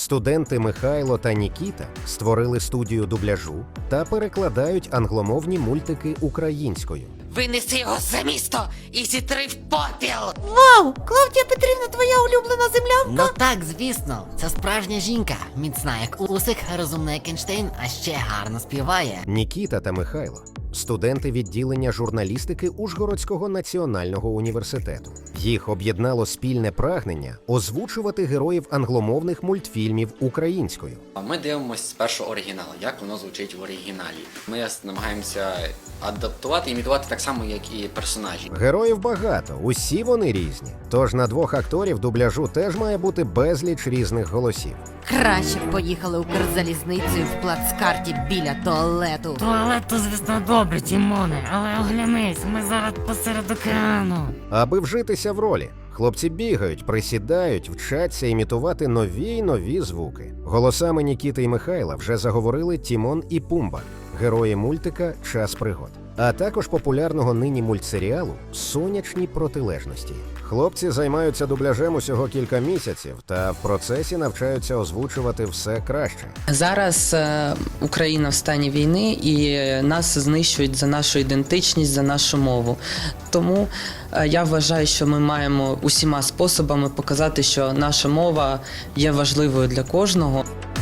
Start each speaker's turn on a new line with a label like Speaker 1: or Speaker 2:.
Speaker 1: Студенти Михайло та Нікіта створили студію дубляжу та перекладають англомовні мультики українською.
Speaker 2: Винеси його за місто і зітри в попіл!
Speaker 3: Вау! Клавдія Петрівна, твоя улюблена землянка?
Speaker 2: Ну так, звісно, це справжня жінка. Міцна як Усик, розумна як Ейнштейн, а ще гарно співає.
Speaker 1: Нікіта та Михайло – студенти відділення журналістики Ужгородського національного університету. Їх об'єднало спільне прагнення озвучувати героїв англомовних мультфільмів українською.
Speaker 4: Ми дивимося спершу оригінал, як воно звучить в оригіналі. Ми намагаємося адаптувати, імітувати так само, як і персонажі.
Speaker 1: Героїв багато, усі вони різні. Тож на двох акторів дубляжу теж має бути безліч різних голосів.
Speaker 3: Краще б поїхали Укрзалізницею в плацкарті біля туалету.
Speaker 5: Туалет то, звісно, добре, Тімоне, але оглянись, ми зараз посеред океану.
Speaker 1: Аби вжитися в ролі, хлопці бігають, присідають, вчаться імітувати нові й нові звуки. Голосами Нікіти і Михайла вже заговорили Тімон і Пумба, герої мультика «Час пригод», а також популярного нині мультсеріалу «Сонячні протилежності». Хлопці займаються дубляжем усього кілька місяців та в процесі навчаються озвучувати все краще.
Speaker 6: Зараз Україна в стані війни і нас знищують за нашу ідентичність, за нашу мову. Тому я вважаю, що ми маємо усіма способами показати, що наша мова є важливою для кожного.